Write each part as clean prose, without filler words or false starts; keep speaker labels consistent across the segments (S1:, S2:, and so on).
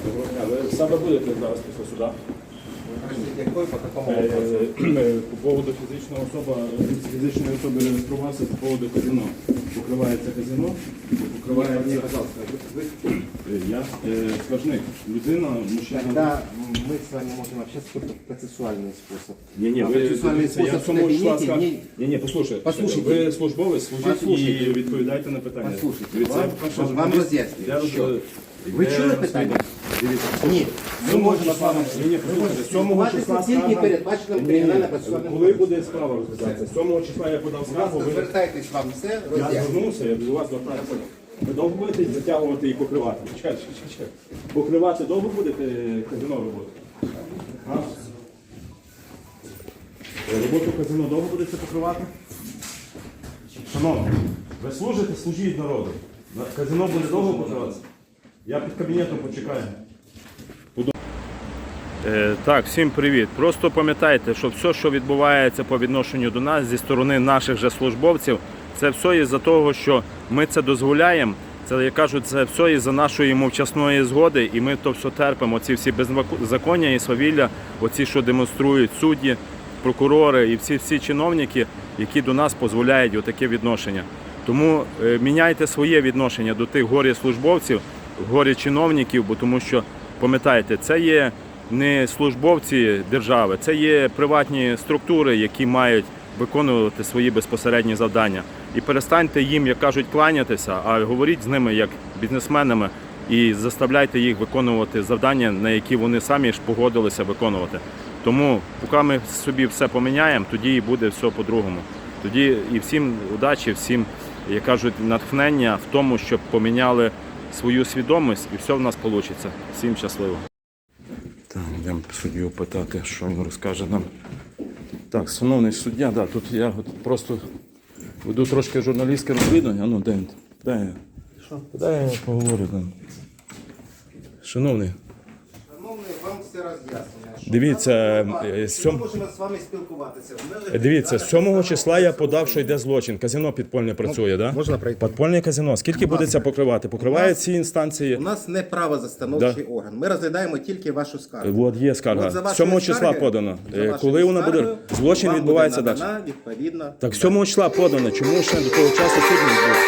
S1: Доброго дня. Ви саме будете зараз після суда?
S2: Якої, по какому вопросу?
S1: По поводу фізичної особи реєструвався по поводу казино. Покривається казино, покривається...
S2: Пожалуйста,
S1: Я скажник. Людина, мужчина...
S2: Тогда мы с вами можем общаться только в процессуальный способ.
S1: Ні, ви
S2: процессуальный способ в кабинете.
S1: Ні, послухайте.
S2: Послушайте.
S1: Ви службовець, служіть
S2: Послушайте.
S1: і відповідайте на питання.
S2: Послушайте,
S1: Дивіться,
S2: вам роз'яснюю, що? Ви чули питання?
S1: Дивіться,
S2: Ні. Ми можемо з вами...
S1: Ні, послухайте, 7 числа
S2: тільки
S1: скарга...
S2: передбаченим кримінально-процесуальним
S1: Коли буде справа розглядатися? 7 числа я подав скаргу, ви...
S2: Звертайтесь, вам все
S1: Я
S2: роз'яснюю.
S1: звернувся, я до вас звертаюся. Ви довго будете затягувати і покривати? Чекайте. Покривати довго будете казино роботу? А? Роботу казино довго будете покривати? Шановні, ви служите, служіть народу. Казино буде довго покриватися? Я під кабінетом почекаю. Так, всім привіт. Просто пам'ятайте, що все, що відбувається по відношенню до нас зі сторони наших же службовців, це все із-за того, що ми це дозволяємо. Це, як кажуть, це все із-за нашої мовчасної згоди, і ми то все терпимо. Ці всі беззаконня і свавілля, оці, що демонструють судді, прокурори і всі чиновники, які до нас дозволяють отаке відношення. Тому міняйте своє відношення до тих горі-службовців, горі-чиновників, бо тому що, пам'ятайте, це є не службовці держави, це є приватні структури, які мають виконувати свої безпосередні завдання. І перестаньте їм, як кажуть, кланятися, а говоріть з ними як бізнесменами і заставляйте їх виконувати завдання, на які вони самі ж погодилися виконувати. Тому, поки ми собі все поміняємо, тоді і буде все по-другому. Тоді і всім удачі, всім, як кажуть, натхнення в тому, щоб поміняли свою свідомість і все в нас вийде. Всім щасливо. Так, йдемо суддю питати, що він розкаже нам. Так, шановний суддя, да, тут я просто веду трошки журналістське розслідування. А ну, дай я поговорю там. Шановний.
S2: Шановний, вам все роз'яснено.
S1: Дивіться,
S2: Ми можемо з вами спілкуватися.
S1: Дивіться, 7 числа я подав, що йде злочин. Казино підпольне працює, так?
S2: Можна пройти?
S1: Підпольне казино. Скільки буде це покривати? Покриває ці інстанції?
S2: У нас не правозастановчий орган. Ми розглядаємо тільки вашу скаргу.
S1: От є скарга.
S2: От за вашою
S1: 7 числа
S2: скаргою-
S1: подано.
S2: за вашою
S1: Коли вона буде?
S2: скаргою
S1: Злочин
S2: вам
S1: відбувається
S2: буде
S1: далі.
S2: надана відповідно.
S1: Так 7 числа подано. Чому ще до того часу суд не відбувся?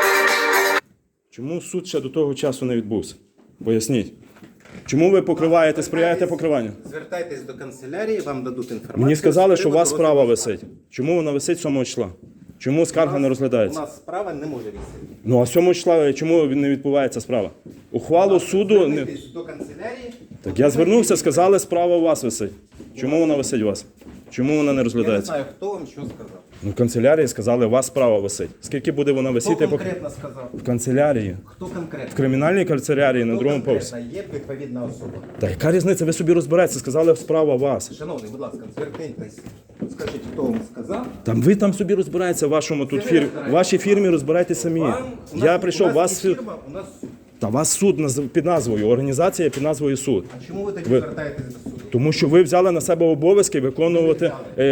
S1: Чому суд ще до того часу не відбувся? Поясніть. Чому ви покриваєте, сприяєте покриванню?
S2: Звертайтесь до канцелярії, вам дадуть інформацію.
S1: Мені сказали,
S2: з
S1: що у
S2: приводу
S1: вас справа
S2: розгляду
S1: висить. Чому вона висить 7 числа? Чому скарга не
S2: У
S1: розглядається?
S2: нас справа не може висіти.
S1: Ну а 7 числа чому не відбувається справа? Ухвалу суду...
S2: Звернітесь до канцелярії.
S1: Так я звернувся, сказали, справа у вас висить. Чому вона висить у вас? Чому вона не
S2: Я не
S1: розглядається?
S2: знаю, хто вам що сказав.
S1: Ну, в канцелярії сказали, у вас справа висить. Скільки буде вона
S2: Хто
S1: висіти?
S2: конкретно сказав?
S1: В канцелярії.
S2: Хто конкретно?
S1: В кримінальній канцелярії на
S2: Хто
S1: другому поверсі.
S2: конкретно є відповідна особа?
S1: Та яка різниця? Ви собі розберетеся, сказали, справа у вас.
S2: Шановний, будь ласка, звертайтесь. Скажіть, хто вам сказав.
S1: Там ви там собі розбираєтеся в вашому тут фірмі. В вашій фірмі розбирайтеся самі. Я прийшов, вас...
S2: У нас суд.
S1: Та вас суд під назвою, організація під назвою суд.
S2: А чому ви тоді звертаєтесь до суду?
S1: Тому що ви взяли на себе обов'язки виконувати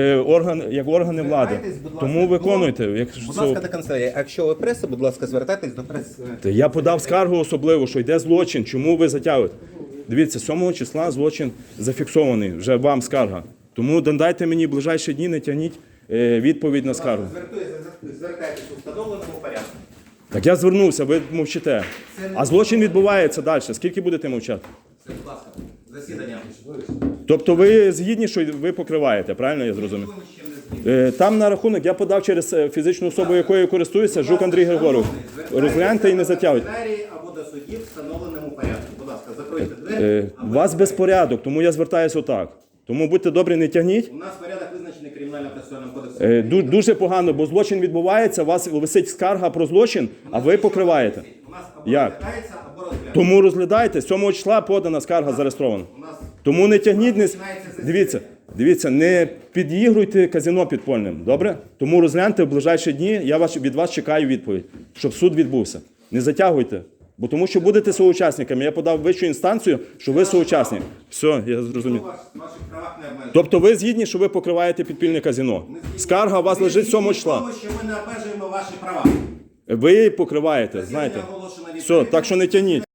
S1: як органи влади.
S2: Звертайтесь, будь ласка,
S1: Тому виконуйте.
S2: Будь ласка, до канцелярії. А якщо ви преса, будь ласка, звертайтесь до преси.
S1: Я подав скаргу особливо, що йде злочин. Чому ви затягуєте? Дивіться, 7 числа злочин зафіксований, вже вам скарга. Тому дайте мені в ближайші дні, не тягніть відповідь на скаргу.
S2: Звертайтесь у встановленому порядку.
S1: Так я звернувся, ви мовчите. А злочин відбувається далі. Скільки будете мовчати?
S2: Будь ласка, засідання.
S1: Тобто ви згідні, що ви покриваєте, правильно я зрозумів? Там на рахунок я подав через фізичну особу, якою я користуюся, Жук Андрій Григорович. Розгляньте і не затягуйте.
S2: Або до судів в встановленому порядку. Будь ласка, закройте двері.
S1: У вас безпорядок, тому я звертаюся отак. Тому будьте добрі, не тягніть.
S2: У нас порядок визначений кримінально-процесуальним кодексом.
S1: Дуже погано, бо злочин відбувається, у вас висить скарга про злочин, а ви покриваєте.
S2: У нас або
S1: Як?
S2: розглядається, або розглядається.
S1: Тому розглядайте, 7 числа подана скарга зареєстрована. Тому не тягніть, дивіться, не підігруйте казино підпольним, добре? Тому розгляньте в ближайші дні, я від вас чекаю відповідь, щоб суд відбувся. Не затягуйте, бо тому що будете соучасниками. Я подав вищу інстанцію, що ви соучасник. Все, я зрозумів.
S2: Ваших правах не обмежує.
S1: Тобто ви згідні, що ви покриваєте підпільне казино? Скарга у вас лежить 7 числа.
S2: Тому що ми не обмежуємо ваші права.
S1: Ви покриваєте, знаєте. Все, так що не тягніть.